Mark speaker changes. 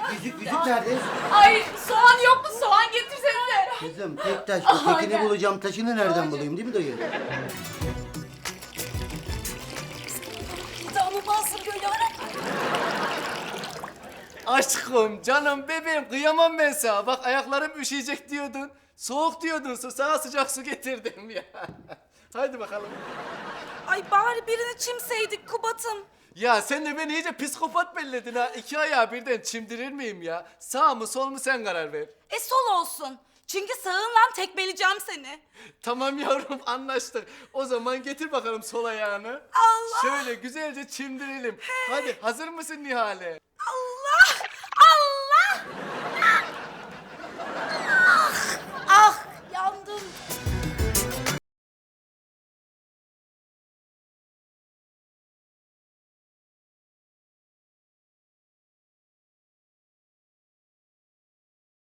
Speaker 1: Yüzük nerede?
Speaker 2: Ay soğan yok mu? Soğan getirsenize.
Speaker 1: Kızım tek taş.
Speaker 2: Aha,
Speaker 1: Tekini
Speaker 2: gel.
Speaker 1: bulacağım. Taşını nereden bulayım değil mi dayı?
Speaker 2: İdamı böyle ara.
Speaker 3: Aşkım, canım, bebeğim kıyamam ben sana. Bak ayaklarım üşüyecek diyordun. Soğuk diyordun. Sana sıcak su getirdim ya. Haydi bakalım.
Speaker 2: Ay bari birini çimseydik Kubat'ım.
Speaker 3: Ya sen de beni iyice psikopat belledin ha. İki ayağı birden çimdirir miyim ya? Sağ mı sol mu sen karar ver.
Speaker 2: Sol olsun. Çünkü sağınla tekmeleyeceğim seni.
Speaker 3: Tamam yavrum anlaştık. O zaman getir bakalım sol ayağını.
Speaker 2: Allah!
Speaker 3: Şöyle güzelce çimdirelim. Hadi hazır mısın Nihale?